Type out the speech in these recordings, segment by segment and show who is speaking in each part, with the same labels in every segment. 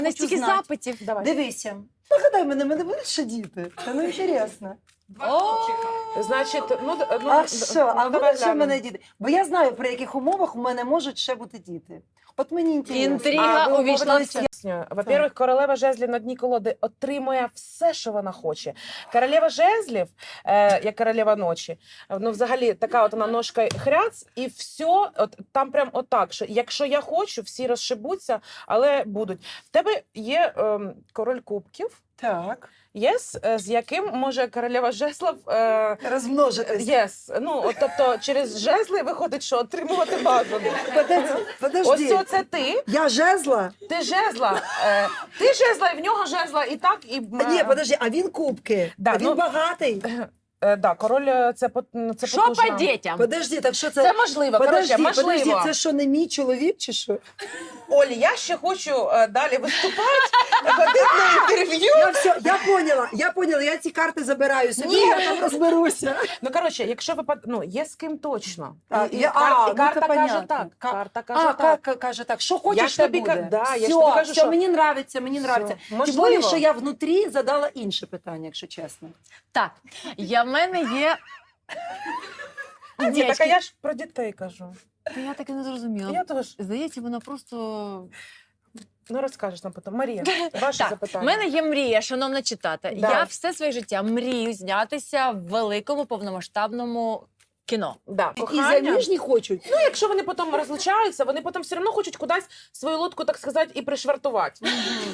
Speaker 1: Не стільки
Speaker 2: знати.
Speaker 1: запитів.
Speaker 3: Давай.
Speaker 2: Дивися. Нагадай мене будуть ще діти? Та ну інтересно.
Speaker 3: Значить,
Speaker 2: А що? А
Speaker 3: давай
Speaker 2: будуть ще в
Speaker 3: глянемо.
Speaker 2: мене діти? Бо я знаю, при яких умовах у мене можуть ще бути діти. От мені інтересно.
Speaker 1: Інтрига
Speaker 3: ви
Speaker 1: увійшла в
Speaker 3: говорите,
Speaker 1: це.
Speaker 3: пояснюю. Во-первых, королева жезлів на дні колоди отримує все, що вона хоче. Королева жезлів, як королева ночі, ну взагалі така от вона ножка хряц, і все, от там прям отак, що якщо я хочу, всі розшибуться, але будуть. В тебе є король кубків,
Speaker 2: Так.
Speaker 3: з яким може королева жезлів
Speaker 2: Розмножитись.
Speaker 3: Ну, от, тобто через жезли виходить, що отримувати бажано.
Speaker 2: Подожди.
Speaker 3: Ось це ти.
Speaker 2: Я жезла?
Speaker 3: Ти жезла, і в нього жезла, і так, і...
Speaker 2: Ні, подожди, а він кубки.
Speaker 3: Да,
Speaker 2: А він
Speaker 3: ну-
Speaker 2: багатий.
Speaker 3: Да, король це
Speaker 1: Що
Speaker 3: потужно.
Speaker 1: по дітям?
Speaker 2: Подожди, так що це?
Speaker 3: Це можливо, коротше, можливо.
Speaker 2: Подожди, це що, не мій чоловік чи що?
Speaker 3: Олі, я ще хочу далі виступати, ходити на інтерв'ю.
Speaker 2: Я поняла, я ці карти забираю собі,
Speaker 3: Ні.
Speaker 2: я там розберуся.
Speaker 3: Ну, коротше, якщо є з ким точно.
Speaker 2: Так,
Speaker 3: І карта каже так. Карта каже так.
Speaker 2: Каже так, що
Speaker 3: Я
Speaker 2: хочеш,
Speaker 3: ж
Speaker 2: те
Speaker 3: тобі
Speaker 2: буде.
Speaker 3: я ж тобі кажу,
Speaker 2: все,
Speaker 3: що...
Speaker 2: мені нравиться. Тим
Speaker 3: Можливо.
Speaker 2: більше, що я внутрі задала інше питання, якщо чесно.
Speaker 1: Так, в мене є...
Speaker 3: Ні, так а
Speaker 1: Дівчатки,
Speaker 3: я ж про дітей кажу.
Speaker 1: та я так і не зрозуміла.
Speaker 3: Я теж.
Speaker 1: Здається, вона просто...
Speaker 3: Ну, розкажеш нам потім. Марія, ваше
Speaker 1: Так,
Speaker 3: запитання.
Speaker 1: в мене є мрія, шановна читати.
Speaker 3: Да.
Speaker 1: Я все своє життя мрію знятися в великому повномасштабному кіно.
Speaker 3: Да,
Speaker 2: І
Speaker 3: кохання.
Speaker 2: заміжні хочуть.
Speaker 3: Ну, якщо вони потім розлучаються, вони потім все одно хочуть кудись свою лодку, так сказати, і пришвартувати.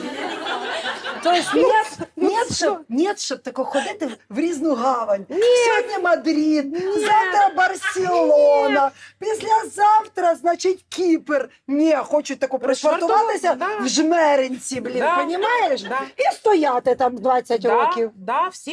Speaker 2: Тобто нет, щоб тако ходити в різну гавань. Сьогодні Мадрид, завтра Барселона, післязавтра, значить, Кіпр. Ні, хочуть тако пришвартуватися
Speaker 3: Да.
Speaker 2: в жмеринці, блін,
Speaker 3: Да.
Speaker 2: понімаєш?
Speaker 3: Да.
Speaker 2: І стояти там 20 років.
Speaker 3: Да, всі